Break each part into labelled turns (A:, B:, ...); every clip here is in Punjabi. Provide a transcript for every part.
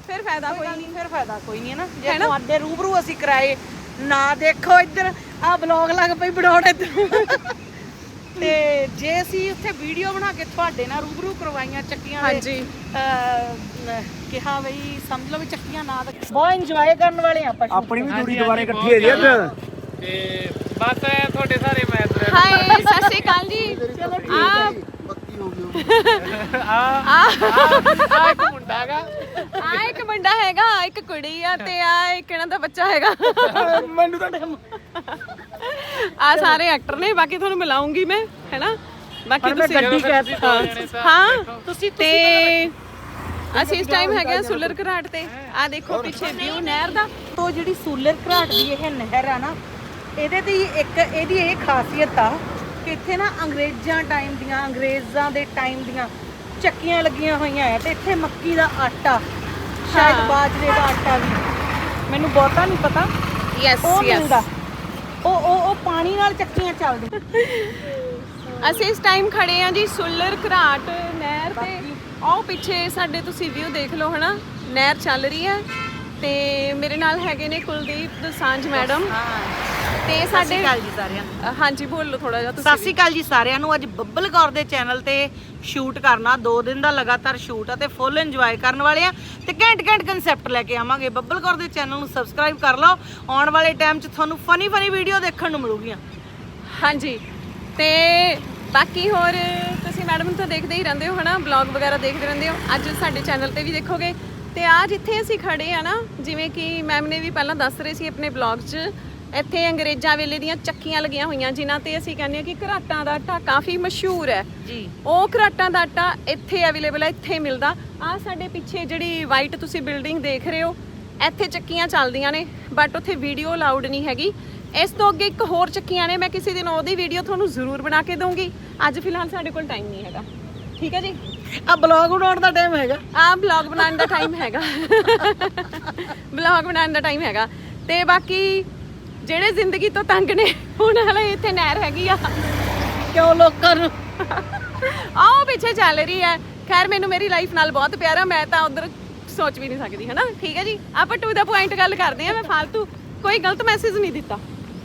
A: ਫਿਰ ਫਾਇਦਾ ਕੋਈ ਨਹੀਂ,
B: ਫਿਰ ਫਾਇਦਾ ਕੋਈ ਨਹੀਂ ਹੈ ਨਾ। ਜੇ ਤੁਹਾਡੇ ਰੂਬਰੂ ਅਸੀਂ ਕਰਾਏ ਨਾ, ਦੇਖੋ ਇੱਧਰ ਆ ਬਲੌਗ ਲੱਗ ਪਈ ਬਣਾਉਣ ਇੱਧਰ ਤੇ ਜੇ ਅਸੀਂ ਉੱਥੇ ਵੀਡੀਓ ਬਣਾ ਕੇ ਤੁਹਾਡੇ ਨਾਲ ਰੂਬਰੂ ਕਰਵਾਈਆਂ ਚੱਕੀਆਂ ਦੇ,
A: ਹਾਂਜੀ
B: ਕਿਹਾ ਬਈ ਸਮਝ ਲਓ ਵੀ ਚੱਕੀਆਂ ਨਾ, ਬਹੁਤ ਇੰਜੋਏ ਕਰਨ ਵਾਲੇ ਆਪਾਂ।
C: ਆਪਣੀ ਵੀ ਜੋੜੀ ਦੁਬਾਰੇ ਇਕੱਠੀ ਹੋ ਜੀ ਅੱਜ
D: ਤੇ ਬਸ ਤੁਹਾਡੇ ਸਾਰੇ ਮੈਚ
A: ਹਾਏ ਸਤਿ ਸ਼੍ਰੀ ਅਕਾਲ ਜੀ। ਆ
C: ਪੱਕੀ ਹੋ ਗਈ
D: ਆ ਇੱਕ ਮੁੰਡਾ ਹੈਗਾ,
A: ਆ ਇੱਕ ਮੁੰਡਾ ਹੈਗਾ, ਇੱਕ ਕੁੜੀ ਆ ਤੇ ਆ ਇੱਕ ਇਹਨਾਂ ਦਾ ਬੱਚਾ ਹੈਗਾ।
B: ਮੈਨੂੰ ਤਾਂ ਟਾਈਮ
A: ਆ ਸਾਰੇ ਐਕਟਰ ਨੇ, ਬਾਕੀ ਤੁਹਾਨੂੰ ਮਿਲਾਉਂਗੀ ਮੈਂ, ਹੈਨਾ। ਬਾਕੀ ਤੁਸੀਂ
B: ਗੱਡੀ ਕਹਿ
A: ਹਾਂ ਤੁਸੀਂ ਤੇ ਅਸੀਂ ਇਸ ਟਾਈਮ ਹੈਗੇ ਸੁਲਰ ਘਰਾਟ ਤੇ। ਆ ਦੇਖੋ ਪਿੱਛੇ ਵਿਊ ਨਹਿਰ ਦਾ।
B: ਤੋਂ ਜਿਹੜੀ ਸੂਲਰ ਘਰਾਟ ਦੀ ਇਹ ਨਹਿਰ ਆ ਨਾ, ਇਹਦੇ ਤੇ ਇੱਕ ਇਹਦੀ ਇਹ ਖਾਸੀਅਤ ਆ ਕਿ ਇੱਥੇ ਨਾ ਅੰਗਰੇਜ਼ਾਂ ਦੇ ਟਾਈਮ ਦੀਆਂ ਚੱਕੀਆਂ ਲੱਗੀਆਂ ਹੋਈਆਂ ਆ ਤੇ ਇੱਥੇ ਮੱਕੀ ਦਾ ਆਟਾ, ਸ਼ਾਇਦ ਬਾਜਰੇ ਦਾ ਆਟਾ ਵੀ, ਮੈਨੂੰ ਬਹੁਤਾ ਨਹੀਂ ਪਤਾ,
A: ਯੈਸ
B: ਉਹ
A: ਯੈਸ।
B: ਮਿਲਦਾ। ਉਹ ਪਾਣੀ ਨਾਲ ਚੱਕੀਆਂ ਚੱਲਦੀਆਂ।
A: ਅਸੀਂ ਇਸ ਟਾਈਮ ਖੜੇ ਆ ਜੀ ਸੁਲਰ ਘਰਾਟ ਨਹਿਰ ਤੇ। ਆਹ ਪਿੱਛੇ ਸਾਡੇ ਤੁਸੀਂ ਵਿਊ ਦੇਖ ਲਓ, ਹਨਾ, ਨਹਿਰ ਚੱਲ ਰਹੀ ਹੈ ਤੇ ਮੇਰੇ ਨਾਲ ਹੈਗੇ ਨੇ ਕੁਲਦੀਪ ਦੋਸਾਂਝ ਮੈਡਮ ਤੇ ਸਾਡੇ।
B: ਜੀ ਸਾਰਿਆਂ ਨੂੰ
A: ਹਾਂਜੀ ਬੋਲੋ ਥੋੜਾ ਜਿਹਾ
B: ਸਤਿ
A: ਤੁਸੀਂ।
B: ਸ਼੍ਰੀ ਅਕਾਲ ਜੀ ਸਾਰਿਆਂ ਨੂੰ। ਅੱਜ ਬੱਬਲ ਕੌਰ ਦੇ ਚੈਨਲ ਤੇ ਸ਼ੂਟ ਕਰਨਾ, 2 ਦਿਨ ਦਾ ਲਗਾਤਾਰ ਸ਼ੂਟ ਆ ਤੇ ਫੁੱਲ ਇੰਜੋਏ ਕਰਨ ਵਾਲੇ ਆ ਤੇ ਘੈਂਟ ਕਨਸੈਪਟ ਲੈ ਕੇ ਆਵਾਂਗੇ। ਬੱਬਲ ਕੌਰ ਦੇ ਚੈਨਲ ਨੂੰ ਸਬਸਕ੍ਰਾਈਬ ਕਰ ਲਓ, ਆਉਣ ਵਾਲੇ ਟਾਈਮ 'ਚ ਤੁਹਾਨੂੰ ਫਨੀ ਵੀਡੀਓ ਦੇਖਣ ਨੂੰ ਮਿਲੂਗੀਆਂ।
A: ਹਾਂਜੀ ਤੇ ਬਾਕੀ ਹੋਰ ਤੁਸੀਂ ਮੈਡਮ ਨੂੰ ਤਾਂ ਦੇਖਦੇ ਹੀ ਰਹਿੰਦੇ ਹੋ, ਹਨਾ, ਬਲੌਗ ਵਗੈਰਾ ਦੇਖਦੇ ਰਹਿੰਦੇ ਹੋ। ਅੱਜ ਸਾਡੇ ਚੈਨਲ ਤੇ ਵੀ ਦੇਖੋਗੇ। ਤੇ ਆ ਜਿੱਥੇ ਅਸੀਂ ਖੜੇ ਆ ਨਾ, ਜਿਵੇਂ ਕਿ ਮੈਮ ਨੇ ਵੀ ਪਹਿਲਾਂ ਦੱਸ ਰਹੇ ਸੀ ਆਪਣੇ ਬਲੌਗ 'ਚ, ਇੱਥੇ ਅੰਗਰੇਜ਼ਾਂ ਵੇਲੇ ਦੀਆਂ ਚੱਕੀਆਂ ਲੱਗੀਆਂ ਹੋਈਆਂ ਜਿਨ੍ਹਾਂ ਤੇ ਅਸੀਂ ਕਹਿੰਦੇ ਆ ਕਿ ਘਰਾਟਾਂ ਦਾ ਆਟਾ ਕਾਫੀ ਮਸ਼ਹੂਰ ਹੈ
B: ਜੀ।
A: ਉਹ ਘਰਾਟਾਂ ਦਾ ਆਟਾ ਇੱਥੇ ਅਵੇਲੇਬਲ ਹੈ, ਇੱਥੇ ਮਿਲਦਾ। ਆ ਸਾਡੇ ਪਿੱਛੇ ਜਿਹੜੀ ਵਾਈਟ ਤੁਸੀਂ ਬਿਲਡਿੰਗ ਦੇਖ ਰਹੇ ਹੋ, ਇੱਥੇ ਚੱਕੀਆਂ ਚੱਲਦੀਆਂ ਨੇ, ਬਟ ਉੱਥੇ ਵੀਡੀਓ ਅਲਾਉਡ ਨਹੀਂ ਹੈਗੀ। ਇਸ ਤੋਂ ਅੱਗੇ ਇੱਕ ਹੋਰ ਚੱਕੀਆਂ ਨੇ, ਮੈਂ ਕਿਸੇ ਦਿਨ ਉਹਦੀ ਵੀਡੀਓ ਤੁਹਾਨੂੰ ਜ਼ਰੂਰ ਬਣਾ ਕੇ ਦਊਂਗੀ। ਅੱਜ ਫਿਲਹਾਲ ਸਾਡੇ ਕੋਲ ਟਾਈਮ ਨਹੀਂ ਹੈਗਾ, ਠੀਕ ਹੈ ਜੀ।
B: ਆ ਬਲੌਗ ਬਣਾਉਣ ਦਾ ਟਾਈਮ ਹੈਗਾ,
A: ਆ ਬਲੌਗ ਬਣਾਉਣ ਦਾ ਟਾਈਮ ਹੈਗਾ, ਬਲੌਗ ਬਣਾਉਣ ਦਾ ਟਾਈਮ ਹੈਗਾ। ਤੇ ਬਾਕੀ ਜਿਹੜੇ ਜ਼ਿੰਦਗੀ ਤੋਂ ਤੰਗ ਨੇ, ਹੁਣ ਹਲੇ ਇੱਥੇ ਨਹਿਰ ਹੈਗੀ ਆ,
B: ਕਿਉਂ ਲੋਕਾਂ ਨੂੰ
A: ਆਹ ਪਿੱਛੇ ਚੱਲ ਰਹੀ ਹੈ। ਖੈਰ ਮੈਨੂੰ ਮੇਰੀ ਲਾਈਫ ਨਾਲ ਬਹੁਤ ਪਿਆਰ ਆ, ਮੈਂ ਤਾਂ ਉਧਰ ਸੋਚ ਵੀ ਨਹੀਂ ਸਕਦੀ, ਹਨਾ, ਠੀਕ ਹੈ ਜੀ। ਆਪਾਂ ਟੂ ਦਾ ਪੁਆਇੰਟ ਗੱਲ ਕਰਦੇ ਆ, ਮੈਂ ਫालतू ਕੋਈ ਗਲਤ ਮੈਸੇਜ ਨਹੀਂ ਦਿੱਤਾ।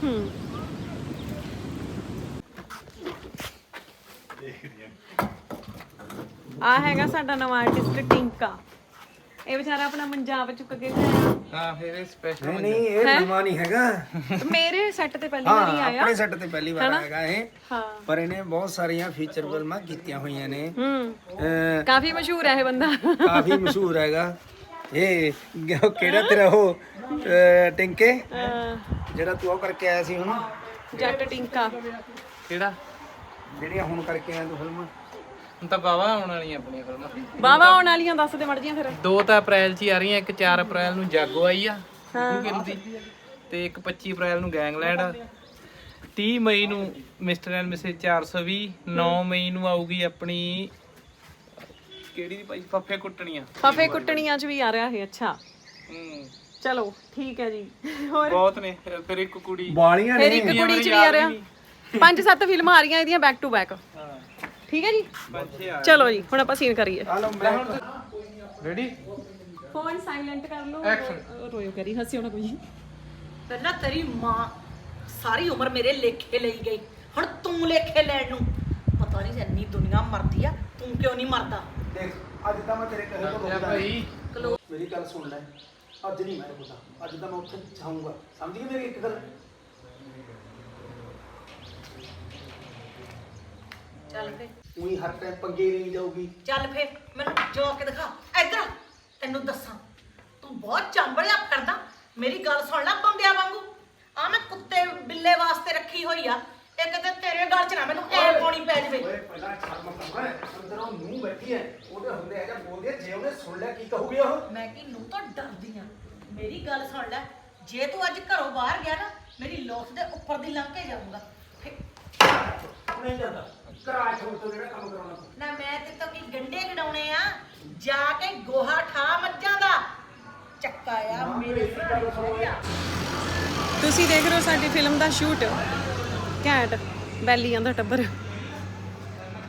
A: ਆ ਹੈਗਾ ਸਾਡਾ ਨਵਾਂ ਆਰਟਿਸਟ ਟਿੰਕਾ। ਇਹ ਵਿਚਾਰਾ ਆਪਣਾ ਮੰਜਾਬ ਚੁੱਕ ਕੇ ਲਿਆਇਆ।
D: ਹਾਂ ਫਿਰ ਇਹ ਸਪੈਸ਼ਲ
C: ਨਹੀਂ ਇਹ ਨਵਾਂ ਨਹੀਂ ਹੈਗਾ,
A: ਮੇਰੇ ਸੈੱਟ ਤੇ ਪਹਿਲੀ ਵਾਰੀ ਆਇਆ।
C: ਆਪਣੇ ਸੈੱਟ ਤੇ ਪਹਿਲੀ ਵਾਰ ਆਏਗਾ ਇਹ।
A: ਹਾਂ
C: ਪਰ ਇਹਨੇ ਬਹੁਤ ਸਾਰੀਆਂ ਫੀਚਰ ਫਿਲਮਾਂ ਕੀਤੀਆਂ ਹੋਈਆਂ ਨੇ।
A: ਕਾਫੀ ਮਸ਼ਹੂਰ ਹੈ ਇਹ ਬੰਦਾ,
C: ਕਾਫੀ ਮਸ਼ਹੂਰ ਹੈਗਾ ਇਹ। ਕਿਹੜਾ ਤੇਰਾ ਉਹ ਟਿੰਕੇ ਜਿਹੜਾ ਤੂੰ ਉਹ ਕਰਕੇ ਆਇਆ ਸੀ ਹੁਣ,
A: ਜੱਟ ਟਿੰਕਾ।
D: ਕਿਹੜਾ
C: ਜਿਹੜੀਆਂ ਹੁਣ ਕਰਕੇ ਆਇਆ ਤੂੰ ਫਿਲਮਾਂ?
D: ਹੁਣ ਤਾਂ ਬਾਵਾ ਆਉਣ ਵਾਲੀਆਂ ਆਪਣੀਆਂ ਫਿਲਮਾਂ।
A: ਬਾਵਾ ਆਉਣ ਵਾਲੀਆਂ ਦੱਸ ਦੇ ਮਰਜੀਆਂ ਫਿਰ।
D: 2 ਤਾਂ ਅਪ੍ਰੈਲ 'ਚ ਹੀ ਆ ਰਹੀਆਂ, ਇੱਕ 4 ਅਪ੍ਰੈਲ ਨੂੰ ਜਾਗੋ ਆਈ ਆ ਗੂਗਲ ਦੀ, ਤੇ ਇੱਕ 25 ਅਪ੍ਰੈਲ ਨੂੰ ਗੈਂਗਲੈਂਡ ਆ, 30 ਮਈ ਨੂੰ ਮਿਸਟਰ ਐਂਡ ਮਿਸਿਸ 420, 9 ਮਈ ਨੂੰ ਆਊਗੀ ਆਪਣੀ ਕਿਹੜੀ ਦੀ ਭਾਈ ਫੱਫੇ ਕੁੱਟਣੀਆਂ।
A: ਫਫੇ ਕੁੱਟਣੀਆਂ 'ਚ ਵੀ ਆ ਰਿਹਾ ਇਹ। ਅੱਛਾ ਚਲੋ ਠੀਕ ਹੈ ਜੀ। ਹੋਰ
D: ਬਹੁਤ ਨੇ। ਫਿਰ ਇੱਕ ਕੁੜੀ
C: ਵਾਲੀਆਂ
A: ਫਿਰ
C: ਨੇ।
A: ਇੱਕ ਕੁੜੀ 'ਚ ਵੀ ਆ ਰਿਹਾ। 5-7 ਫਿਲਮਾਂ ਆ ਰਹੀਆਂ ਇਹਦੀਆਂ ਬੈਕ ਟੂ ਬੈਕ, ਠੀਕ ਹੈ ਜੀ। ਚਲੋ ਜੀ ਹੁਣ ਆਪਾਂ ਸੀਨ ਕਰੀਏ।
D: ਰੈਡੀ,
A: ਫੋਨ ਸਾਇਲੈਂਟ ਕਰ ਲਓ, ਰੋਇਓ ਕਰੀ, ਹੱਸਿਓ ਨਾ ਕੋਈ।
B: ਪਹਿਲਾਂ ਤੇਰੀ ਮਾਂ ਸਾਰੀ ਉਮਰ ਮੇਰੇ ਲੇਖੇ ਲਈ ਗਈ, ਹੁਣ ਤੂੰ ਲੇਖੇ ਲੈਣ ਨੂੰ। ਪਤਾ ਨਹੀਂ ਇੰਨੀ ਦੁਨੀਆ ਮਰਦੀ ਆ, ਤੂੰ ਕਿਉਂ ਨਹੀਂ ਮਰਦਾ?
C: ਦੇਖ ਅੱਜ ਤਾਂ ਮੈਂ ਤੇਰੇ ਕਹੇ ਤੋਂ ਰੁਕਦਾ
D: ਭਾਈ।
C: ਮੇਰੀ ਗੱਲ ਸੁਣ ਲੈ, ਅੱਜ ਨਹੀਂ ਮੈਂ ਰੁਕਦਾ, ਅੱਜ ਤਾਂ ਮੈਂ ਉੱਥੇ ਜਾਊਂਗਾ, ਸਮਝ ਗਈ ਮੇਰੀ ਇੱਕ ਗੱਲ?
B: ਚੱਲ ਫੇ,
C: ਉਹੀ ਹਰ ਟਾਈਮ ਪੰਗੇ ਨਹੀਂ ਜਾਊਗੀ।
B: ਚੱਲ ਫੇ, ਮੈਨੂੰ ਜੋ ਕੇ ਦਿਖਾ ਇੱਧਰ ਆ, ਤੈਨੂੰ ਦੱਸਾਂ ਤੂੰ ਬਹੁਤ ਚੰਬੜਿਆ ਫਿਰਦਾ। ਮੇਰੀ ਗੱਲ ਸੁਣ ਲੈ ਬੰਦਿਆਂ ਵਾਂਗੂ, ਆ ਮੈਂ ਕੁੱਤੇ ਬਿੱਲੇ ਵਾਸਤੇ ਰੱਖੀ ਹੋਈ ਆ, ਇੱਕ ਤੇ ਤੇਰੇ ਗਲ 'ਚ ਨਾ ਮੈਨੂੰ ਐ ਪਾਉਣੀ ਪੈ ਜਵੇ।
C: ਓਏ ਪਹਿਲਾਂ ਸ਼ਰਮ ਕਰ, ਅੰਦਰੋਂ ਨੂੰ ਬੈਠੀ ਹੈ, ਉਹਦੇ ਹੁੰਦੇ ਹੈਗਾ ਬੋਲਦੀ ਹੈ, ਜੇ ਉਹਨੇ ਸੁਣ ਲਿਆ ਕੀ ਕਹੂਗੀ ਉਹ?
B: ਮੈਂ ਕੀ ਨੂੰ ਤਾਂ ਡਰਦੀ ਆ। ਮੇਰੀ ਗੱਲ ਸੁਣ ਲੈ, ਜੇ ਤੂੰ ਅੱਜ ਘਰੋਂ ਬਾਹਰ ਗਿਆ ਨਾ, ਮੇਰੀ ਲੋਥ ਦੇ ਉੱਪਰ ਦੀ ਲੰਘ ਕੇ ਜਾਊਂਗਾ।
C: ਨਹੀਂ ਜਾਂਦਾ ਕਰਾ ਛੋੜ ਤੋਂ ਜਿਹੜਾ ਕੰਮ ਕਰਾਉਣਾ ਤੂੰ।
B: ਨਾ ਮੈਂ ਤੇ ਤਾਂ ਕੀ ਗੰਡੇ ਕਢਾਉਣੇ ਆ, ਜਾ ਕੇ ਗੋਹਾ ਠਾ ਮੱਝਾਂ ਦਾ ਚੱਕਾ ਆ ਮੇਰੇ ਸਿਰ।
A: ਤੁਸੀਂ ਦੇਖ ਰਹੇ ਹੋ ਸਾਡੀ ਫਿਲਮ ਦਾ ਸ਼ੂਟ। ਘੈਂਟ ਬੈਲੀਆਂ ਦਾ ਟੱਬਰ।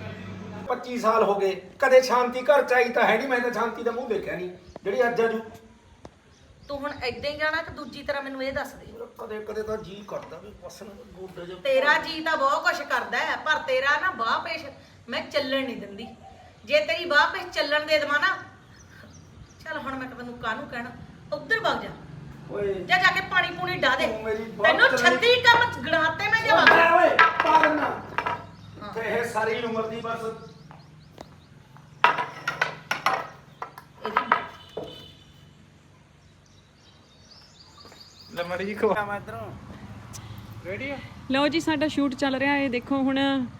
C: 25 ਸਾਲ ਹੋ ਗਏ, ਕਦੇ ਸ਼ਾਂਤੀ ਘਰ ਚ ਆਈ ਤਾਂ ਹੈ ਨਹੀਂ। ਮੈਂ ਤਾਂ ਸ਼ਾਂਤੀ ਦਾ ਮੂੰਹ ਦੇਖਿਆ ਨਹੀਂ ਜਿਹੜੀ ਅੱਜ ਆਜੂ।
B: ਤੂੰ ਹੁਣ ਏਦਾਂ ਹੀ ਜਾਣਾ ਕਿ ਦੂਜੀ ਤਰ੍ਹਾਂ ਮੈਨੂੰ ਇਹ ਦੱਸ ਦੇ।
C: ਕਦੇ ਕਦੇ ਤਾਂ ਜੀ ਕਰਦਾ ਵੀ ਬਸ ਨਾ ਗੋਡੇ ਜੇ
B: ਤੇਰਾ ਜੀ ਤਾਂ ਬਹੁਤ ਕੁਛ ਕਰਦਾ ਹੈ, ਪਰ ਤੇਰਾ ਨਾ ਬਾਹ ਪੇਸ਼ ਮੈਂ ਚੱਲਣ ਨਹੀਂ ਦਿੰਦੀ। ਜੇ ਤੇਰੀ ਬਾਹ ਪੇਸ਼ ਚੱਲਣ ਦੇ ਦੇਵਾਂ ਨਾ, ਚੱਲ ਹੁਣ ਮੈਂ ਤੈਨੂੰ ਕਾਹਨੂੰ ਕਹਿਣਾ, ਉੱਧਰ ਵਗ ਜਾ।
C: ਓਏ
B: ਜਾ ਕੇ ਪਾਣੀ ਪੂਣੀ ਡਾ ਦੇ।
C: ਤੂੰ ਮੇਰੀ ਬਾਤ
B: ਤੈਨੂੰ
C: ਚੱਲਣੀ-
B: 36 ਕੰਮ ਗਣਾਤੇ ਮੈਂ ਜਵਾਬ।
C: ਓਏ ਪਾਗਲ ਨਾ ਤੇ ਇਹ ਸਾਰੀ ਉਮਰ ਦੀ ਬਸ
D: ਲੈ ਮੜੀ ਜੀ ਖਵਾ
C: ਮੈਂ ਇਧਰੋਂ
D: ਰੈਡੀ ਆ
A: ਲਓ ਜੀ ਸਾਡਾ ਸ਼ੂਟ ਚੱਲ ਰਿਹਾ ਹੈ, ਦੇਖੋ ਹੁਣ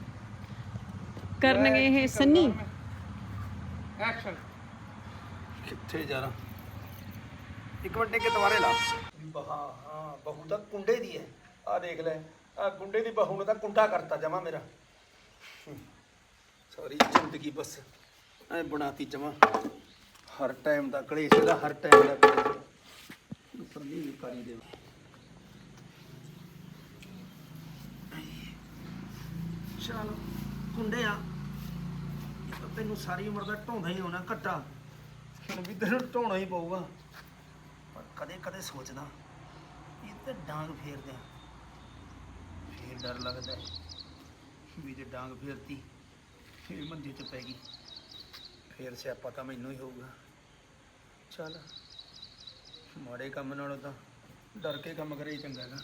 A: ਕਰਨਗੇ ਇਹ ਸੰਨੀ।
D: ਐਕਸ਼ਨ।
C: ਕਿੱਥੇ ਜਾਣਾ ਇੱਕ ਮਿੰਟ ਕੇ ਦੁਬਾਰੇ ਲਾ ਹਾਂ ਬਹੂ ਤਾਂ ਕੁੰਡੇ ਦੀ ਹੈ। ਆ ਦੇਖ ਲੈ ਆ ਗੁੰਡੇ ਦੀ ਬਹੂ ਨੇ ਤਾਂ ਕੁੰਡਾ ਕਰਤਾ ਜਮਾ ਮੇਰਾ। ਸਾਰੀ ਜ਼ਿੰਦਗੀ ਬਸ ਐ ਬਣਾਤੀ ਜਮਾ। ਹਰ ਟਾਈਮ ਦਾ ਕਲੇਸ਼ ਦਾ, ਹਰ ਟਾਈਮ ਦਾ ਕਲੇਸ਼। ਉੱਪਰ ਨਹੀਂ ਕਰੀ ਦੇ ਚਲ ਕੁੰਡੇ ਆ ਤੈਨੂੰ ਸਾਰੀ ਉਮਰ ਦਾ ਢੋਂਦਾ ਹੀ ਹੋਣਾ ਘੱਟਾ। ਹੁਣ ਵੀ ਤੈਨੂੰ ਢੋਣਾ ਹੀ ਪਊਗਾ। ਪਰ ਕਦੇ ਕਦੇ ਸੋਚਦਾ ਇਹ ਤੇ ਡਾਂਗ ਫੇਰਦੇ ਆ, ਫੇਰ ਡਰ ਲੱਗਦਾ ਵੀ ਜੇ ਡਾਂਗ ਫੇਰਤੀ ਫੇਰ ਮੰਜੇ 'ਚ ਪੈ ਗਈ ਫੇਰ ਸਿਆਪਾ ਤਾਂ ਮੈਨੂੰ ਹੀ ਹੋਊਗਾ। ਚੱਲ ਮਾੜੇ ਕੰਮ ਨਾਲੋਂ ਤਾਂ ਡਰ ਕੇ ਕੰਮ ਕਰੇ ਹੀ ਚੰਗਾ ਹੈਗਾ।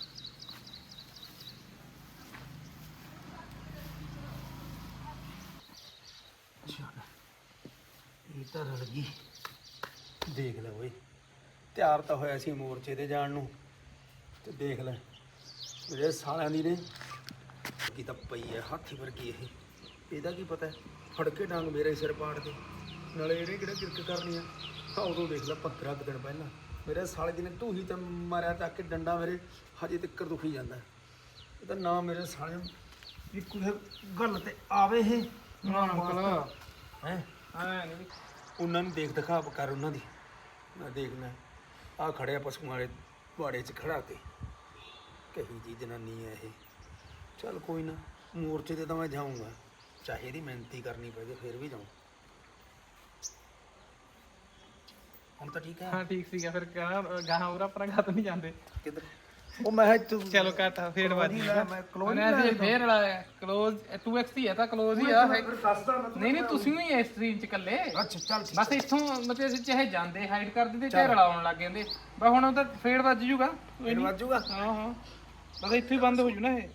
C: ਚੱਲ ਇਹ ਤਾਂ ਰਲ ਗਈ। ਦੇਖ ਲੈ ਓਏ ਤਿਆਰ ਤਾਂ ਹੋਇਆ ਸੀ ਮੋਰਚੇ ਤੇ ਜਾਣ ਨੂੰ, ਤੇ ਦੇਖ ਲੈ ਮੇਰੇ ਸਾਲਿਆਂ ਦੀ ਨੇ ਕੀ ਤਾਂ ਪਈ ਹੈ ਹਾਥੀ ਵਰਗੀ। ਇਹਦਾ ਕੀ ਪਤਾ ਫੜ ਕੇ ਡਾਂਗ ਮੇਰੇ ਸਿਰ ਪਾੜ ਦੇ, ਨਾਲੇ ਇਹਨੇ ਕਿਹੜਾ ਕਿਰਕ ਕਰਨੀ ਆ। ਹਾਂ ਉਦੋਂ ਦੇਖ ਲੈ 15 ਕੁ ਦਿਨ ਪਹਿਲਾਂ ਮੇਰੇ ਸਾਲੇ ਦੀ ਨੇ ਢੂਹੀ ਤੇ ਮਾਰਿਆ ਚੱਕ ਕੇ ਡੰਡਾ, ਮੇਰੇ ਹਜੇ ਤੱਕ ਦੁਖੀ ਜਾਂਦਾ। ਇਹ ਤਾਂ ਨਾ ਮੇਰੇ ਸਾਲੇ ਨੂੰ ਵੀ ਕੋਈ ਗੱਲ ਤੇ ਆਵੇ ਇਹ
D: ਨਾ ਅੰਕਲ
C: ਹੈ।
D: ਆ ਨਹੀਂ
C: ਉਹਨਾਂ ਨੂੰ ਦੇਖ ਦਿਖਾ ਕਰ ਉਹਨਾਂ ਦੀ। ਮੈਂ ਦੇਖਣਾ ਆ ਖੜਿਆ ਪਸ਼ੂਆਂ ਵਾਲੇ ਬਾੜੇ 'ਚ ਖੜਾ ਕੇ ਕਹੀ ਜੀ ਜਨਾਨੀ ਹੈ ਇਹ। ਚੱਲ ਕੋਈ ਨਾ ਮੋਰਚੇ ਤੇ ਤਾਂ ਮੈਂ ਜਾਊਂਗਾ, ਚਾਹੇ ਇਹਦੀ ਮਿਹਨਤੀ ਕਰਨੀ ਪੈ ਜੇ ਫਿਰ ਵੀ ਜਾਊਂ। ਹੁਣ ਤਾਂ ਠੀਕ ਹੈ।
D: ਹਾਂ ਠੀਕ ਸੀਗਾ ਫਿਰ ਗਾਹਾਂ ਉਰਾ ਪਰਾਂ ਘੱਟ ਨਹੀਂ ਜਾਂਦੇ।
C: ਕਿੱਧਰ ਉਹ ਮੈਂ ਤੂੰ
D: ਚਲੋ ਘੱਟ ਫੇਰ ਵੱਜ ਗਿਆ।
C: ਮੈਂ close
D: ਉਹਨੇ ਅਸੀਂ ਫੇਰ ਲਾਇਆ ਕਲੋਜ਼ 2x ਹੀ ਹੈ ਤਾਂ ਕਲੋਜ਼ ਹੀ ਆ। ਨਹੀਂ ਨਹੀਂ ਤੁਸੀਂ ਵੀ ਇਸ ਸਟ੍ਰੀਮ ਚ ਇਕੱਲੇ।
C: ਅੱਛਾ ਚੱਲ ਠੀਕ
D: ਬਸ ਇੱਥੋਂ ਮਤਲਬ ਅਸੀਂ ਚਾਹੇ ਜਾਂਦੇ ਹਾਈਡ ਕਰ ਦਿੰਦੇ ਚਾਹੇ ਰਲਾਉਣ ਲੱਗ ਜਾਂਦੇ। ਬਸ ਹੁਣ ਉਹ ਤਾਂ ਫੇਰ ਵੱਜ ਜੂਗਾ। ਕੋਈ
C: ਫਿਰ
D: ਨੀ।
C: ਵੱਜੂਗਾ।
D: ਹਾਂ ਹਾਂ ਬਸ ਇੱਥੇ ਹੀ ਬੰਦ ਹੋ ਜੂ ਨਾ ਇਹ।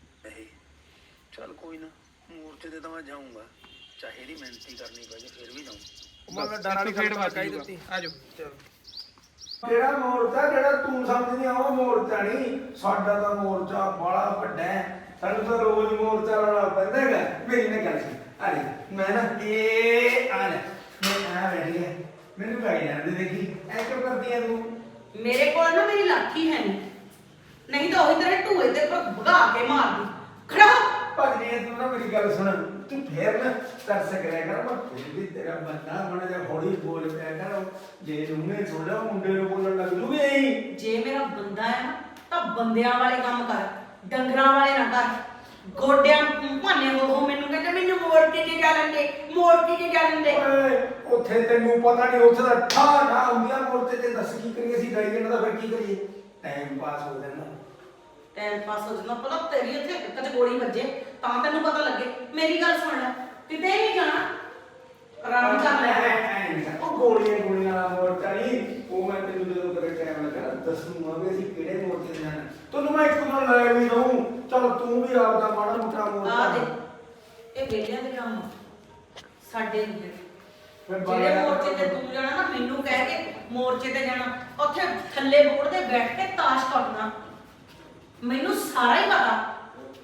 C: ਚੱਲ ਕੋਈ ਨਾ ਮੋਰਚੇ ਤੇ ਤਾਂ ਮੈਂ ਜਾਊਂਗਾ, ਚਾਹੇ ਇਹਦੀ ਮਿਹਨਤੀ ਕਰਨੀ ਪੈ ਜੇ ਫਿਰ ਵੀ ਜਾਊਂ। ਮੈਂ ਡਰ ਵਾਲੀ
D: ਫੇਰ
C: ਗੱਲ
D: ਵੱਜ
C: ਕਹਿ
D: ਜੂਗਾ।
C: ਦਿੱਤੀ।
D: ਆ ਜਾਓ
C: ਚੱਲ ਜਿਹੜਾ ਮੋਰਚਾ ਜਿਹੜਾ ਤੂੰ ਸਮਝਦੀ ਆ ਉਹ ਮੋਰਚਾ ਨਹੀਂ ਸਾਡਾ। ਤਾਂ ਮੋਰਚਾ ਬੜਾ ਵੱਡਾ ਹੈ, ਸਾਨੂੰ ਤਾਂ ਰੋਜ਼ ਮੋਰਚਾ ਲਾਉਣਾ ਪੈਂਦਾ ਹੈਗਾ। ਮੇਰੀ ਨਾ ਗੱਲ ਸੁਣ, ਆ ਲੈ ਮੈਂ ਨਾ ਇਹ ਆ ਲੈ ਮੈਂ ਆ ਬੈਠੀ ਹੈ, ਮੈਨੂੰ ਕਹੀ ਜਾਂਦੇ ਦੇਖੀ ਐ ਕਿਉਂ ਕਰਦੀ ਆ ਤੂੰ।
B: ਮੇਰੇ ਕੋਲ ਨਾ ਮੇਰੀ ਲਾਠੀ ਹੈ ਨਹੀਂ ਤਾਂ ਉਹੀ ਤੇਰੇ ਢੂਏ ਤੇ ਭਗਾ ਕੇ ਮਾਰਦੀ। ਖੜਾ ਹੋ।
C: ਭਜਨੀ ਤੂੰ ਨਾ ਮੇਰੀ ਗੱਲ ਸੁਣ, ਤੂੰ ਫੇਰ ਨਾ ਤਰਸ ਕਰਿਆ ਕਰ। ਮੈਂ ਫਿਰ ਵੀ ਤੇਰਾ ਬੰਦਾ ਬਣਾ ਜਾ, ਹੌਲੀ ਬੋਲ ਪਿਆ ਕਰ। ਜੇ ਉਹਨੇ ਸੁਣ ਲਿਆ ਮੁੰਡੇ ਨੂੰ ਬੋਲਣ ਲੱਗ ਜੂਗੀ ਐਂ।
B: ਜੇ ਮੇਰਾ ਬੰਦਾ ਹੈ ਨਾ ਤਾਂ ਬੰਦਿਆਂ ਵਾਲੇ ਕੰਮ ਕਰ, ਡੰਗਰਾਂ ਵਾਲੇ ਨਾ ਕਰ। ਗੋਡਿਆਂ ਭਾਨੇ ਉਹ ਮੈਨੂੰ ਕਹਿੰਦੇ ਮੈਨੂੰ ਮੋੜ ਕੇ ਜੇ ਜਾ ਲੈਂਦੇ, ਮੋੜ ਕੇ ਜੇ ਜਾ ਲੈਂਦੇ।
C: ਓਏ ਉੱਥੇ ਤੈਨੂੰ ਪਤਾ ਨਹੀਂ, ਉੱਥੇ ਦਾ ਠਾ ਠਾ ਹੁੰਦੀਆਂ ਮੋਰਚੇ ਤੇ। ਦੱਸ ਕੀ ਕਰੀਏ ਅਸੀਂ ਡਾਈ ਜਾਂਦਾ ਫਿਰ ਕੀ ਕਰੀਏ, ਟਾਈਮ ਪਾਸ ਹੋ ਜਾਂਦਾ।
B: ਟਾਈਮ ਪਾਸ ਹੋ ਜਾਂਦਾ ਭਲਾ ਤੇਰੀ ਉੱਥੇ ਕਦੇ ਗੋਲੀ ਵੱਜੇ ਤਾਂ ਤੈਨੂੰ ਪਤਾ ਲੱਗੇ। ਮੇਰੀ ਗੱਲ ਸੁਣ ਲੈ, ਕਿਤੇ ਨਹੀਂ ਜਾਣਾ, ਆਰਾਮ ਕਰ ਲੈ।
C: ਉਹ ਗੋਲੀਆਂ ਵਾਲਾ ਮੋਰਚਾ ਨਹੀਂ, ਉਹ ਮੈਂ ਤੈਨੂੰ ਜਦੋਂ ਕਦੇ ਟਾਈਮ ਲੱਗਾ ਦੱਸੂਗਾ ਵੀ ਅਸੀਂ ਕਿਹੜੇ ਮੋਰਚੇ ਤੇ ਜਾਣਾ। ਤੈਨੂੰ ਮੈਂ ਇੱਕ ਦਿਨ ਲੈ ਵੀ ਦਊਂ। ਚਲ ਤੂੰ ਵੀ ਆਪਦਾ ਮਾੜਾ ਮੋਟਾ
B: ਆ
C: ਮੋਰਚਾ
B: ਦੇ ਇਹ ਵੇਲਿਆਂ ਦੇ ਕੰਮ ਸਾਡੇ ਨਹੀਂ ਹੈਗੇ।
C: ਫਿਰ
B: ਜਿਹੜੇ ਮੋਰਚੇ ਤੇ ਤੂੰ ਜਾਣਾ ਨਾ, ਮੈਨੂੰ ਕਹਿ ਕੇ ਮੋਰਚੇ ਤੇ ਜਾਣਾ, ਉੱਥੇ ਥੱਲੇ ਬੋਰਡ ਤੇ ਬੈਠ ਕੇ ਤਾਸ਼ ਕੱਟਣਾ। ਮੈਨੂੰ ਸਾਰਾ ਹੀ ਪਤਾ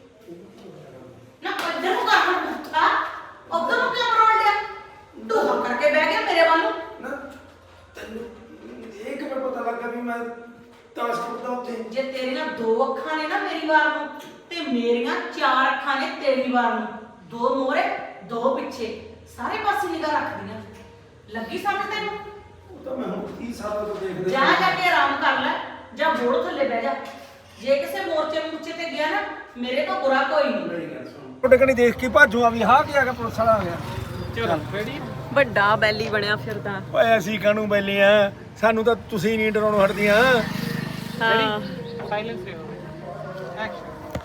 B: ਨਾ। ਇੱਧਰ ਨੂੰ ਕਰ ਹੁਣ ਬੁੱਥਾ, ਉੱਧਰ ਨੂੰ ਕਿਉਂ ਮਰੋੜ ਲਿਆ? ਢੂਹਾ ਕਰਕੇ ਬਹਿ ਗਿਆ ਮੇਰੇ ਵੱਲ ਨੂੰ।
C: ਨਾ ਤੈਨੂੰ ਇਹ ਕਿਵੇਂ ਪਤਾ ਲੱਗਾ ਵੀ ਮੈਂ ਤਾਸ਼ ਖੇਡਦਾ ਉੱਥੇ?
B: ਜੇ ਤੇਰੀਆਂ 2 ਅੱਖਾਂ ਨੇ ਨਾ ਮੇਰੀ ਵਾਰ ਨੂੰ, ਤੇ ਮੇਰੀਆਂ 4 ਅੱਖਾਂ ਨੇ ਤੇਰੀ ਵਾਰ ਨੂੰ। 2 ਮੋਹਰੇ 2 ਪਿੱਛੇ, ਸਾਰੇ ਪਾਸੇ ਨਿਗਾਹ ਰੱਖਦੀਆਂ। ਲੱਗੀ ਸਮਝ ਤੈਨੂੰ?
C: ਉਹ ਤਾਂ ਮੈਂ ਹੁਣ 30 ਸਾਲਾਂ ਤੋਂ ਦੇਖਦਾ।
B: ਜਾ ਕੇ ਆਰਾਮ ਕਰ ਲੈ, ਜਾਂ ਬੋੜ ਥੱਲੇ ਬਹਿ ਜਾ। ਜੇ ਕਿਸੇ ਮੋਰਚੇ ਤੇ ਗਿਆ ਨਾ, ਮੇਰੇ ਤੋਂ ਬੁਰਾ ਕੋਈ ਨਹੀਂ।
C: ਤੁਹਾਡੇ ਕਣੀ ਦੇਖ ਕੇ ਭਾਜੂ ਆ ਵੀ ਹਾਂ ਕੀ ਆ ਗਿਆ, ਪੁਲਿਸ ਵਾਲਾ ਆ ਗਿਆ।
D: ਚਲੋ ਰੈਡੀ।
A: ਵੱਡਾ ਬੈਲੀ ਬਣਿਆ ਫਿਰਦਾ।
C: ਓਏ ਅਸੀਂ ਕਾਹਨੂੰ ਬੈਲੇ ਆ, ਸਾਨੂੰ ਤਾਂ ਤੁਸੀਂ ਨਹੀਂ ਡਰਾਉਣੋਂ ਹਟਦੀਆਂ।
A: ਹਾਂ
D: ਸਾਇਲੈਂਸ ਰਹੋ ਐਕਸ਼ਨ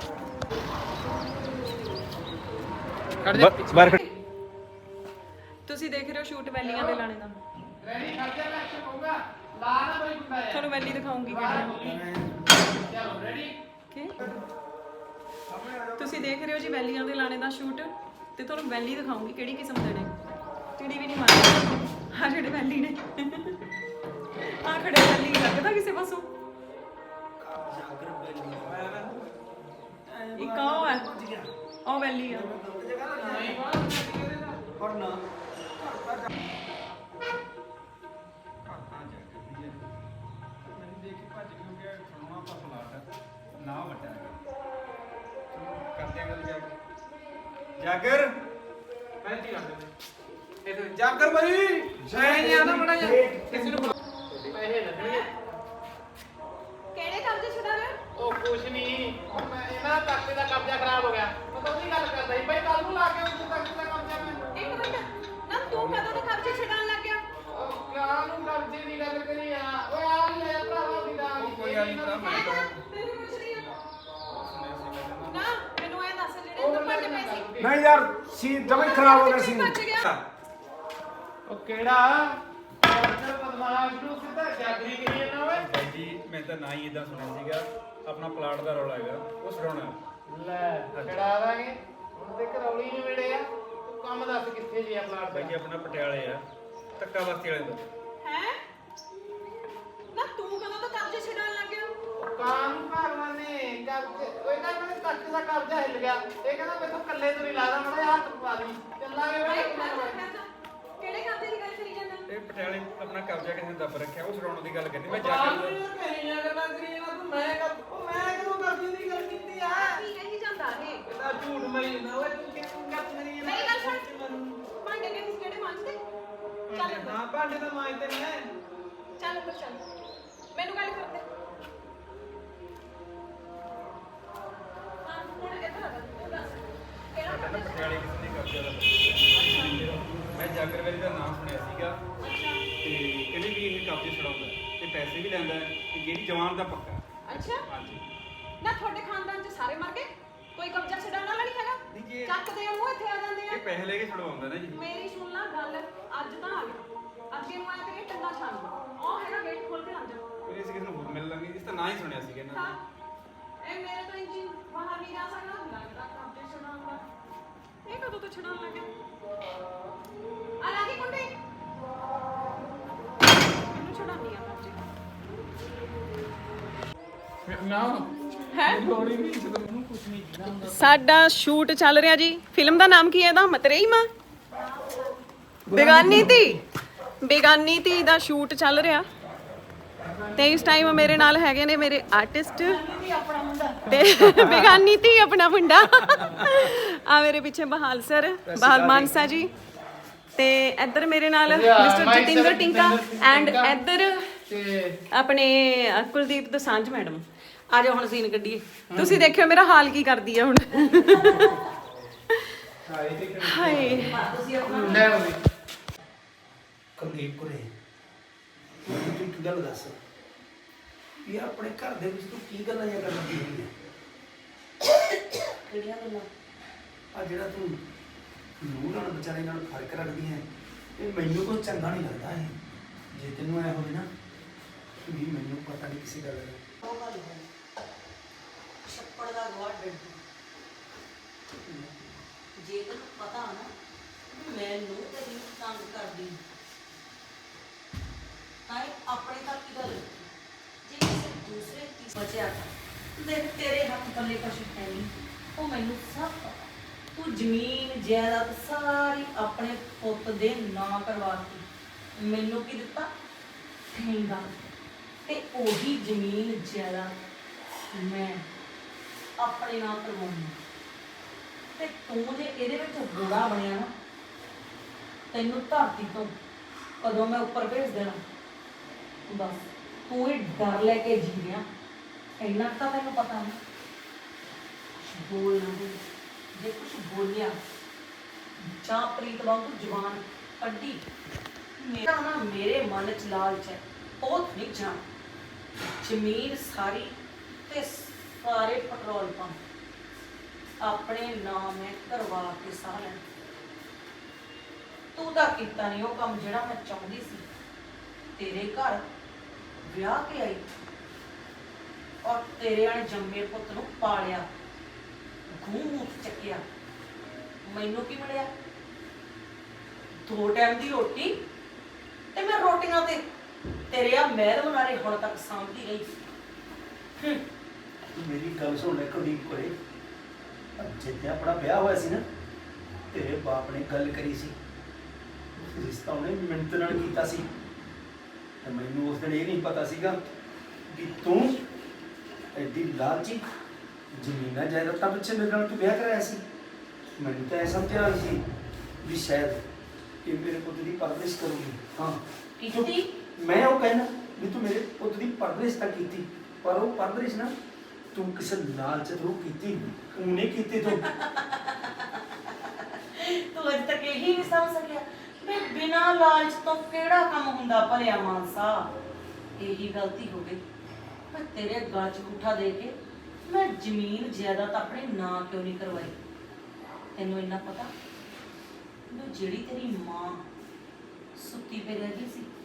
D: ਕਰ ਜਾ
A: ਤੁਸੀਂ ਦੇਖ ਰਹੇ ਹੋ ਸ਼ੂਟ ਵੈਲੀਆਂ ਦੇ ਲਾਣੇ ਦਾ।
D: ਰੈਡੀ ਕਰ ਜਾ ਐਕਸ਼ਨ ਹੋਊਗਾ ਲਾ ਨਾ ਕੋਈ ਗੁੰਡਾ ਯਾਰ
A: ਤੁਹਾਨੂੰ ਵੈਲੀ ਦਿਖਾਉਂਗੀ ਕਿਹੜੀਆਂ।
D: ਚਲੋ ਰੈਡੀ
A: ਓਕੇ ਤੁਸੀਂ ਦੇਖ ਰਹੇ ਹੋ ਜੀ ਵੈਲੀਆਂ ਦੇ ਲਾਣੇ ਦਾ ਸ਼ੂਟ ਤੇ ਤੁਹਾਨੂੰ ਵੈਲੀ ਦਿਖਾਉਂਗੀ ਕਿਹੜੀ ਕਿਸਮ ਦੇ ਨੇ। ਚਿੜੀ ਵੀ ਨਹੀਂ ਮਾਰਦੀ ਆ ਜਿਹੜੇ ਵੈਲੀ ਨੇ ਆ ਖੜੇ ਵੈਲੀ ਲੱਗਦਾ ਕਿਸੇ ਪਾਸੋਂ। ਇੱਕ ਉਹ ਹੈ ਉਹ ਵੈਲੀ ਆ।
C: ਜਾਗਰ
D: ਬੈਠੀ ਕਰ ਦੇ ਇਹ ਜਾਗਰ ਭਾਈ ਸਹੀ ਆ ਨਾ ਮੜਾ ਜਾ ਕਿਸੇ ਨੂੰ ਪੈਸੇ ਲੱਗਣਗੇ
A: ਕਿਹੜੇ ਕਬਜ਼ੇ ਛੁਡਾ ਰਹੇ
D: ਉਹ ਕੁਛ ਨਹੀਂ ਮੈਂ ਇਹਨਾਂ ਤਖਤੇ ਦਾ ਕਬਜ਼ਾ ਖਰਾਬ ਹੋ ਗਿਆ ਮੈਂ ਤਾਂ ਉਹਦੀ ਗੱਲ ਕਰਦਾ ਸੀ ਭਾਈ ਕੱਲ ਨੂੰ ਲਾ ਕੇ ਉਸ ਤਖਤੇ ਦਾ ਕਬਜ਼ਾ ਮੈਂ
A: ਇੱਕ ਮਿੰਟ ਨਾ ਤੂੰ ਕਦੋਂ ਤੋਂ ਕਬਜ਼ੇ ਛਡਾਉਣ ਲੱਗ ਗਿਆ।
D: ਉਹ ਕਾਹ ਨੂੰ ਕਬਜ਼ੇ ਦੀ ਗੱਲ ਕਰੀ ਆ ਓਏ ਆ ਵੀ ਲੈ ਭਰਾਵਾ ਦੀ ਦਾ ਕੋਈ ਵਾਲੀ ਭਰਾ
A: ਮੈਂ ਤੈਨੂੰ ਪੁੱਛ ਰਹੀ ਹਾਂ ਨਾ ਮੈਨੂੰ ਇਹ ਦੱਸ ਜਿਹੜੇ ਤੂੰ ਭਾਂਡੇ ਪਏ ਸੀ
C: ਨਹੀਂ ਯਾਰ ਸੀ ਜਮੇ ਖਰਾਬ ਹੋ ਗਿਆ ਸੀ।
A: ਭੱਜ ਗਿਆ।
D: ਉਹ ਕਿਹੜਾ ਡਾਕਟਰ ਬਦਮਾਸ਼ ਨੂੰ ਸਿੱਧਾ ਜਾਗਰੀ ਕਰੀ ਜਾਂਦਾ ਓਏ
C: ਬਾਈ ਜੀ ਮੈਂ ਤਾਂ ਨਾ ਹੀ ਇਦਾਂ ਸੁਣਿਆ ਸੀਗਾ ਆਪਣਾ ਪਲਾਟ ਦਾ ਰੌਲਾ ਹੈਗਾ ਉਹ ਛਡਾਉਣਾ।
D: ਲੈ ਛੜਾ ਦਾਂਗੇ ਹੁਣ ਤੇ ਕਰੌਲੀ ਨਹੀਂ ਮਿਲੇ ਆ ਤੂੰ ਕੰਮ ਦੱਸ ਕਿੱਥੇ ਜੀ ਆ ਪਲਾਟ
C: ਬਾਈ
D: ਦਾ
C: ਜੀ ਆਪਣਾ ਪਟਿਆਲੇ ਆ ਧੱਕਾ ਬਸਤੀ ਵਾਲੇ ਤੋਂ।
A: ਹੈ ਨਾ ਤੂੰ ਕਦੋਂ ਤੋਂ ਕਬਜ਼ੇ ਛਡਾਉਣ ਲੱਗ ਗਿਆ।
D: ਕਾਨ ਭਗਵਾਨ ਨੇ ਕਬਜ਼ੇ ਉਹ ਕਹਿੰਦਾ ਮੈਨੂੰ ਤਖਤ ਦਾ ਕਬਜ਼ਾ ਹਿੱਲ ਗਿਆ ਇਹ ਕਹਿੰਦਾ ਮੈਨੂੰ ਕੱਲੇ ਤੋਂ ਨਹੀਂ ਲਾਦਾ ਮੜਾ ਹੱਥ ਪਾ ਦੀ ਚੱਲਾਂਗੇ
A: ਭਾਈ
D: ਵੇ
A: ਕਿਹੜੇ ਕਬਜ਼ੇ ਦੀ ਗੱਲ ਕਰੀ ਜਾਂਦਾ।
C: ਇਹ ਪਟਿਆਲੇ ਆਪਣਾ ਕਬਜ਼ਾ ਕਿਸੇ ਨੇ ਦੱਬ ਰੱਖਿਆ ਉਹ ਛਡਾਉਣ ਦੀ ਗੱਲ ਕਰਨੀ ਮੈਂ
D: ਬਾਹਰ
C: ਜਾਗਰ
D: ਨੂੰ ਮੇਰੀਆਂ ਗੱਲਾਂ ਕਰੀ ਜਾਂਦਾ ਤੂੰ ਮੈਂ ਕਦੋਂ ਕਬਜ਼ੇ ਦੀ ਗੱਲ ਕੀਤੀ ਆ
A: ਕੀ ਕਹੀ ਜਾਂਦਾ ਇਹ
D: ਕਹਿੰਦਾ ਝੂਠ ਮਰੀ ਨਾ ਓਏ ਤੂੰ ਕਿਉਂ ਗੱਪ ਕਰੀ ਜਾਂਦਾ
A: ਮੇਰੀ ਗੱਲ ਸੁਣ ਭਾਂਡੇ ਕਿਹੜੇ ਮਾਂਜਦੇ ਚੱਲ ਅੰਦਰ।
D: ਹਾਂ ਭਾਂਡੇ ਤਾਂ ਮਾਂਜਦੇ ਨੇ
A: ਚੱਲ ਅੰਦਰ ਚੱਲ ਮੈਨੂੰ ਗੱਲ ਕਰਦੇ ਹਾਂ ਹੁਣ ਇੱਧਰ ਆ ਤੂੰ ਦੱਸ ਕਿਹੜਾ
C: ਕਹਿੰਦਾ
A: ਕਬਜ਼ਾ
C: ਪਟਿਆਲੇ ਕਿਸੇ ਨੇ ਕਬਜ਼ਾ ਦਾ ਮੈਂ ਜਾਗਰ ਵੇਲੇ ਦਾ ਨਾਮ ਸੁਣਿਆ ਸੀਗਾ ਤੇ ਕਹਿੰਦੇ ਵੀ ਇਹ ਕਬਜ਼ੇ ਛਡਾਉਂਦਾ ਤੇ ਪੈਸੇ ਵੀ ਲੈਂਦਾ ਤੇ ਜਿਹੜੀ ਜਵਾਨ ਦਾ ਪੱਕਾ।
A: ਅੱਛਾ
C: ਹਾਂਜੀ
A: ਨਾ ਤੁਹਾਡੇ ਖਾਨਦਾਨ ਚ ਸਾਰੇ ਮਰ ਗਏ ਕੋਈ ਕਬਜ਼ਾ ਛਡਾਉਣ ਵਾਲਾ ਨਹੀਂ
C: ਨਹੀਂ ਜੀ,
A: ਹੈਗਾ ਚੱਕਦੇ ਆ ਮੂੰਹ ਇੱਥੇ ਆ ਜਾਂਦੇ
C: ਇਹ
A: ਆ।
C: ਪੈਸੇ ਲੈ ਕੇ ਛਡਵਾਉਂਦਾ ਨਾ ਜੀ।
A: ਮੇਰੀ ਸੁਣ ਲਾ ਗੱਲ ਅੱਜ ਤਾਂ ਆ ਗਿਆ ਅੱਗੇ ਨੂੰ ਆਇਆ ਤੇਰੀ ਟੰਗਾ ਛਾਣ ਉਹ ਹੈਗਾ ਗੇਟ ਖੋਲ ਕੇ ਆ ਜਾ।
C: ਫਿਰ ਅਸੀਂ ਕਿਸੇ ਨੂੰ ਹੋਰ ਮਿਲ ਲਾਂਗੇ ਇਸ ਤਾਂ ਨਾ ਹੀ ਸੁਣਿਆ ਸੀਗਾ ਇਹਨਾਂ
A: ਹਾਂ
C: ਨੇ।
A: ਇਹ ਮੇਰੇ ਤੋਂ ਇੰਜੀ ਬਾਹਰ ਨਹੀਂ ਜਾ ਸਕਦਾ ਲੱਗਦਾ ਕਬਜ਼ੇ ਛਡਾਉਣ ਦਾ ਇਹ ਕਦੋਂ ਤੋਂ ਛਡਾਉਣ ਲੱਗਿਆ ਆ ਲਾਗੀ ਕੁੰਡੀ ਮੈਨੂੰ ਛਡਾਉਣੀ ਆ ਕਬਜ਼ੇ
D: ਨਾ
A: ਹੈ
D: ਲੋੜੀ ਨਹੀਂ ਜਦੋਂ ਮੈਨੂੰ ਕੁਝ ਨਹੀਂ ਦਿਖਦਾ
A: ਸਾਡਾ ਸ਼ੂਟ ਚੱਲ ਰਿਹਾ ਜੀ ਫਿਲਮ ਦਾ ਨਾਮ ਕੀ ਹੈ ਇਹਦਾ ਮਤਰੇਈ ਮਾਂ ਬੇਗਾਨੀ ਧੀ ਦਾ ਸ਼ੂਟ ਚੱਲ ਰਿਹਾ ਤੇ ਇਸ ਟਾਈਮ ਮੇਰੇ ਨਾਲ ਹੈਗੇ ਨੇ ਮੇਰੇ ਆਰਟਿਸਟ ਤੇ ਬੇਗਾਨੀ ਧੀ ਆਪਣਾ ਮੁੰਡਾ ਆ ਮੇਰੇ ਪਿੱਛੇ ਬਹਾਲ ਸਰ ਬਹਾਲ ਮਾਨਸਾ ਜੀ ਤੇ ਇੱਧਰ ਮੇਰੇ ਨਾਲ ਮਿਸਟਰ ਜਤਿੰਦਰ ਟਿੰਕਾ ਐਂਡ ਇੱਧਰ
D: ਤੇ
A: ਆਪਣੇ ਕੁਲਦੀਪ ਦੋਸਾਂਝ ਮੈਡਮ।
B: ਆ ਜਾਓ ਹੁਣ ਸੀਨ ਕੱਢੀਏ।
A: ਤੁਸੀਂ ਦੇਖਿਓ ਮੇਰਾ ਹਾਲ ਕੀ ਕਰਦੀ ਆ ਹੁਣ ਹਾਏ
D: ਲੈ ਹੋਵੇ
C: ਕੁਲਦੀਪ ਕੁਰੇ ਤੂੰ ਇੱਕ ਗੱਲ ਦੱਸ ਵੀ ਆਪਣੇ ਘਰ ਦੇ ਵਿੱਚ ਤੂੰ ਕੀ ਗੱਲਾਂ ਜਾਂ ਕਰਨ ਦੀ ਹੋਈ ਹੈ?
B: ਕਿਹੜੀਆਂ ਗੱਲਾਂ?
C: ਆ ਜਿਹੜਾ ਤੂੰ ਨੂੰਹ ਨਾਲ ਵਿਚਾਰੇ ਨਾਲ ਫਰਕ ਰੱਖਦੀ ਹੈ ਇਹ ਮੈਨੂੰ ਕੋਈ ਚੰਗਾ ਨਹੀਂ ਲੱਗਦਾ ਹੈ। ਜੇ ਤੈਨੂੰ ਐ ਹੋਵੇ ਨਾ ਵੀ ਮੈਨੂੰ ਪਤਾ ਨਹੀਂ ਕਿਸੇ ਗੱਲ ਦਾ
B: ਉਹ ਗੱਲ ਹੈ ਛੱਪੜ ਦਾ ਗਵਾ ਡੱਡੂ ਜੇ ਤੈਨੂੰ ਪਤਾ ਨਾ ਵੀ ਮੈਨੂੰ ਤੇਰੀ ਤੰਗ ਕਰਦੀ ਤਾਂ ਇਹ ਆਪਣੇ ਤੱਕ ਹੀ ਗੱਲ ਜੇ ਕਿਸੇ ਦੂਸਰੇ ਦੀ ਬਚਿਆ ਤਾਂ ਦੇਖ ਤੇਰੇ ਹੱਥ ਪੱਲੇ ਕੁਛ ਹੈ ਨਹੀਂ ਉਹ ਮੈਨੂੰ ਸਭ ਪਤਾ ਤੂੰ ਜ਼ਮੀਨ ਜਾਇਦਾਦ ਸਾਰੀ ਆਪਣੇ ਪੁੱਤ ਦੇ ਨਾਂ ਕਰਵਾਤੀ ਮੈਨੂੰ ਕੀ ਦਿੱਤਾ ਠੇਂਗਾ ਤੇ ਉਹੀ ਜ਼ਮੀਨ ਜਾਇਦਾਦ ਮੈਂ ਆਪਣੇ ਨਾਂ ਕਰਵਾਉਣੀ ਤੇ ਤੂੰ ਜੇ ਇਹਦੇ ਵਿੱਚ ਗੋੜਾ ਬਣਿਆ ਨਾ ਤੈਨੂੰ ਧਰਤੀ ਤੋਂ ਕਦੋਂ ਮੈਂ ਉੱਪਰ ਭੇਜ ਦੇਣਾ ਬਸ ਤੂੰ ਇਹ ਡਰ ਲੈ ਕੇ ਜੀ ਰਿਹਾ ਇੰਨਾ ਤਾਂ ਤੈਨੂੰ ਪਤਾ ਨਾ ਬੋਲ ਨਾ ਬੋਲ ਜੇ ਕੁਝ ਬੋਲਿਆ ਜਾਂ ਪ੍ਰੀਤ ਵਾਂਗੂ ਜ਼ੁਬਾਨ ਕੱਢੀ ਮੇਰਾ ਨਾ ਮੇਰੇ ਮਨ ਚ ਲਾਲਚ ਹੈ ਉਹ ਨਹੀਂ ਜਾਣ। ਜ਼ਮੀਨ ਸਾਰੀ ਤੇ ਸਾਰੇ ਪੈਟਰੋਲ ਪੰਪ ਆਪਣੇ ਨਾਮ ਹੈ ਕਰਵਾ ਕੇ ਸਾਹ ਲੈਣ। ਤੂੰ ਤਾਂ ਕੀਤਾ ਨਹੀਂ ਉਹ ਕੰਮ ਜਿਹੜਾ ਮੈਂ ਚਾਹੁੰਦੀ ਸੀ। ਤੇਰੇ ਘਰ ਵਿਆਹ ਕੇ ਆਈ ਔਰ ਤੇਰੇ ਅਣਜੰਮੇ ਪੁੱਤ ਨੂੰ ਪਾਲਿਆ, ਗੂੰ ਮੂੰਹ ਚੱਕਿਆ। ਮੈਨੂੰ ਕੀ ਮਿਲਿਆ? 2 ਟਾਈਮ ਦੀ ਰੋਟੀ, ਤੇ ਮੈਂ ਰੋਟੀਆਂ ਤੇ ਤੇਰੇ ਆ ਮਹਿਲ ਮਨਾਰੇ ਹੁਣ ਤੱਕ ਸਾਂਭਦੀ ਰਹੀ।
C: ਮੇਰੀ ਗੱਲ ਸੁਣ ਲੈ ਕੁਲਦੀਪ ਕੋਲੇ, ਜਿੱਥੇ ਆਪਣਾ ਵਿਆਹ ਹੋਇਆ ਸੀ ਨਾ, ਤੇਰੇ ਬਾਪ ਨੇ ਗੱਲ ਕਰੀ ਸੀ, ਰਿਸ਼ਤਾ ਉਹਨੇ ਮਿੰਟ ਨਾਲ ਕੀਤਾ ਸੀ। ਤੇ ਮੈਨੂੰ ਉਸ ਦਿਨ ਇਹ ਨਹੀਂ ਪਤਾ ਸੀਗਾ ਕਿ ਤੂੰ ਐਡੀ ਲਾਲਚੀ ਜ਼ਮੀਨਾਂ ਜਾਇਦਾਦਾਂ ਪਿੱਛੇ ਮੇਰੇ ਨਾਲ ਤੂੰ ਵਿਆਹ ਕਰਾਇਆ ਸੀ। ਮੈਨੂੰ ਤਾਂ ਇਹ ਸਮਝਿਆ ਸੀ ਵੀ ਸ਼ਾਇਦ ਇਹ ਮੇਰੇ ਪੁੱਤ ਦੀ ਪਰਵਰਿਸ਼ ਕਰੂਗੀ। ਹਾਂ
B: ਕੀਤੀ?
C: ਮੈਂ ਉਹ ਕਹਿਣਾ ਵੀ ਤੂੰ ਮੇਰੇ ਪੁੱਤ ਦੀ ਪਰਵਰਿਸ਼ ਤਾਂ ਕੀਤੀ, ਪਰ ਉਹ ਪਰਵਰਿਸ਼ ਨਾ ਤੂੰ ਕਿਸੇ ਲਾਲਚ ਤੋਂ ਕੀਤੀ, ਤੂੰ ਨਹੀਂ ਕੀਤੀ। ਤੂੰ
B: ਅਜੇ ਤੱਕ ਇਹੀ ਨਹੀਂ ਸਮਝ ਸਕਿਆ ਵੀ ਬਿਨਾਂ ਲਾਲਚ ਤੋਂ ਕਿਹੜਾ ਕੰਮ ਹੁੰਦਾ ਭਲਿਆ ਮਾਨਸਾ। ਇਹੀ ਗਲਤੀ ਹੋ ਗਈ। ਮੈਂ ਤੇਰੇ ਗਲ 'ਚ ਅੰਗੂਠਾ ਦੇ ਕੇ ਮੈਂ ਜ਼ਮੀਨ ਜਾਇਦਾਦ ਆਪਣੇ ਨਾਂ ਕਿਉਂ ਨਹੀਂ ਕਰਵਾਈ? ਤੈਨੂੰ ਇੰਨਾ ਪਤਾ ਵੀ ਜਿਹੜੀ ਤੇਰੀ ਮਾਂ ਸੁੱਤੀ ਪਈ ਰਹਿ ਗਈ ਸੀ,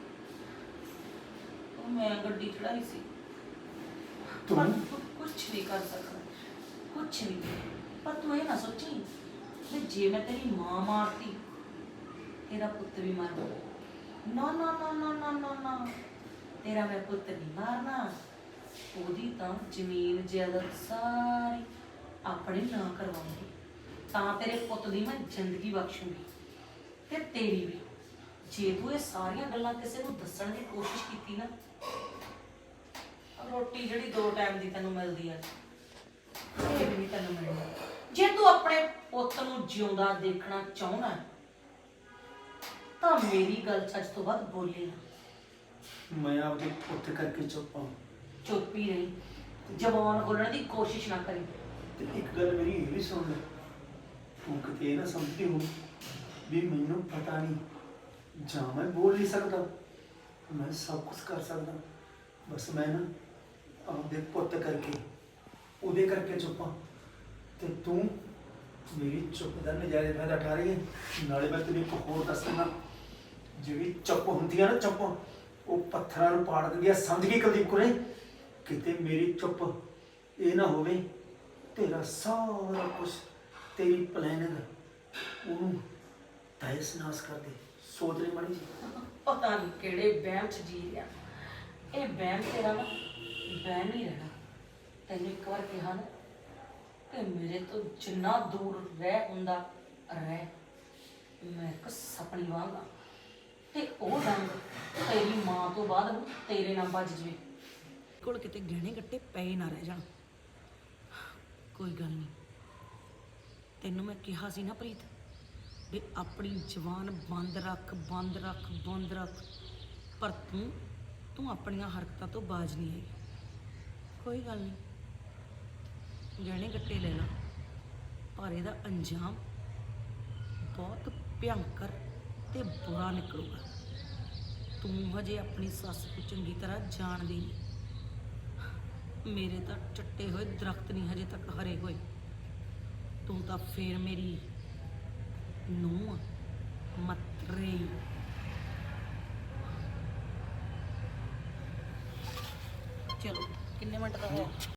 B: ਉਹ ਮੈਂ ਗੱਡੀ ਚੜਾਈ ਸੀ।
C: ਤੂੰ
B: ਕੁਛ ਨਹੀਂ ਕਰ ਸਕਦਾ, ਕੁਛ ਨਹੀਂ। ਪਰ ਤੂੰ ਇਹ ਨਾ ਸੋਚੀ ਵੀ ਜੇ ਮੈਂ ਤੇਰੀ ਮਾਂ ਮਾਰਤੀ ਤੇਰਾ ਪੁੱਤ ਵੀ ਮਰ ਜਾਊ। ਨਾ ਨਾ ਨਾ ਨਾ ਨਾ ਨਾ ਨਾ, ਤੇਰਾ ਮੈਂ ਪੁੱਤ ਨਹੀਂ ਮਾਰਨਾ। ਉਹਦੀ ਤਾਂ ਜ਼ਮੀਨ ਜਾਇਦਾਦ ਸਾਰੀ ਆਪਣੇ ਨਾਂ ਕਰਵਾਉਂਗੀ, ਤਾਂ ਤੇਰੇ ਪੁੱਤ ਦੀ ਮੈਂ ਜ਼ਿੰਦਗੀ ਬਖਸ਼ੂਗੀ ਤੇ ਤੇਰੀ ਵੀ। ਜੇ ਤੂੰ ਇਹ ਸਾਰੀਆਂ ਗੱਲਾਂ ਕਿਸੇ ਨੂੰ ਦੱਸਣ ਦੀ ਕੋਸ਼ਿਸ਼ ਕੀਤੀ ਨਾ, ਰੋਟੀ ਜਿਹੜੀ 2 ਟਾਈਮ ਦੀ ਤੈਨੂੰ ਮਿਲਦੀ ਆ, ਇਹ ਵੀ ਨਹੀਂ ਤੈਨੂੰ ਮਿਲਣੀ। ਜੇ ਤੂੰ ਆਪਣੇ ਪੁੱਤ ਨੂੰ ਜਿਉਂਦਾ ਦੇਖਣਾ ਚਾਹੁੰਦਾ ਤਾਂ ਮੇਰੀ ਗੱਲ ਅੱਜ ਤੋਂ ਬਾਅਦ ਬੋਲੀ ਨਾ।
C: ਮੈਂ ਆਪਦੇ ਪੁੱਤ ਕਰਕੇ ਚੁੱਪ ਹਾਂ।
B: ਚੁੱਪ ਹੀ ਰਹੀ, ਜ਼ਬਾਨ ਖੋਲਣ ਦੀ ਕੋਸ਼ਿਸ਼ ਨਾ ਕਰੀ।
C: ਤੇ ਇੱਕ ਗੱਲ ਮੇਰੀ ਇਹ ਵੀ ਸੁਣ ਲੈ, ਤੂੰ ਕਿਤੇ ਇਹ ਨਾ ਸਮਝਦੀ ਹੋ ਵੀ ਮੈਨੂੰ ਪਤਾ ਨਹੀਂ, ਜਾਂ ਮੈਂ ਬੋਲ ਨਹੀਂ ਸਕਦਾ, ਮੈਂ ਸਭ ਕੁਝ ਕਰ ਸਕਦਾ, ਬਸ ਮੈਂ ਨਾ ਆਪਦੇ ਪੁੱਤ ਕਰਕੇ ਉਹਦੇ ਕਰਕੇ ਚੁੱਪ ਹਾਂ। ਤੇ ਤੂੰ ਮੇਰੀ ਚੁੱਪ ਦਾ ਨਜਾਇਜ਼ ਫਾਇਦਾ ਉਠਾ ਰਹੀ ਹੈ। ਨਾਲੇ ਮੈਂ ਤੈਨੂੰ ਇੱਕ ਹੋਰ ਦੱਸਣਾ, ਜਿਹੜੀ ਚੁੱਪ ਹੁੰਦੀ ਆ ਨਾ, ਚੁੱਪ ਉਹ ਪੱਥਰਾਂ ਨੂੰ ਪਾੜ ਦਿੰਦੀ ਆ। ਸਮਝ ਗਈ ਕੁਲਦੀਪ ਕੁਰੇ? ਕਿਤੇ ਮੇਰੀ ਚੁੱਪ ਇਹ ਨਾ ਹੋਵੇ ਤੇਰਾ ਸਾਰਾ ਕੁਝ, ਤੇਰੀ ਪਲੈਨਿੰਗ ਉਹਨੂੰ ਤਹਿਸ ਨਾਸ ਕਰ ਦੇ। ਸੋਚ ਲਈ ਮਾੜੀ ਜੀ।
B: ਪਤਾ ਨਹੀਂ ਕਿਹੜੇ ਵਹਿਮ 'ਚ ਜੀ ਰਿਹਾ। ਇਹ ਵਹਿਮ ਤੇਰਾ ਨਾ ਵਹਿਮ ਹੀ ਰਹਿਣਾ। ਤੈਨੂੰ ਇੱਕ ਵਾਰ ਕਿਹਾ ਨਾ ਕਿ ਮੇਰੇ ਤੋਂ ਜਿੰਨਾ ਦੂਰ ਰਹਿ ਹੁੰਦਾ ਰਹਿ। ਮੈਂ ਇੱਕ ਸਪਨੀ ਵਾਂਗ ਆ ਤੇ ਉਹ ਰੰਗ ਤੇਰੀ ਮਾਂ ਤੋਂ ਬਾਅਦ ਤੇਰੇ ਨਾਲ ਵੱਜ ਜਵੇ। ਕੋਲ ਕਿਤੇ ਗਹਿਣੇ ਗੱਟੇ ਪਏ ਨਾ ਰਹਿ ਜਾਣ। ਕੋਈ ਗੱਲ ਨਹੀਂ, ਤੈਨੂੰ ਮੈਂ ਕਿਹਾ ਸੀ ਨਾ ਪ੍ਰੀਤ ਵੀ ਆਪਣੀ ਜ਼ੁਬਾਨ ਬੰਦ ਰੱਖ, ਬੰਦ ਰੱਖ, ਬੰਦ ਰੱਖ। ਪਰ ਤੂੰ ਆਪਣੀਆਂ ਹਰਕਤਾਂ ਤੋਂ ਬਾਜ਼ ਨਹੀਂ ਆਈ। ਕੋਈ ਗੱਲ ਨਹੀਂ, ਗਹਿਣੇ ਗੱਟੇ ਲੈ ਲਾ, ਪਰ ਇਹਦਾ ਅੰਜਾਮ ਬਹੁਤ ਭਿਅੰਕਰ ਤੇ ਬੁਰਾ ਨਿਕਲੂਗਾ। ਤੂੰ ਹਜੇ ਆਪਣੀ ਸੱਸ ਨੂੰ ਚੰਗੀ ਤਰ੍ਹਾਂ ਜਾਣਦੀ ਨਹੀਂ। ਮੇਰੇ ਤਾਂ ਚੱਟੇ ਹੋਏ ਦਰਖਤ ਨਹੀਂ ਹਜੇ ਤੱਕ ਹਰੇ ਹੋਏ। ਤੂੰ ਤਾਂ ਫੇਰ ਮੇਰੀ ਨੂੰਹ ਮਤਰੇ। ਚਲੋ ਕਿੰਨੇ ਮਿੰਟ ਦਾ ਹੋਇਆ?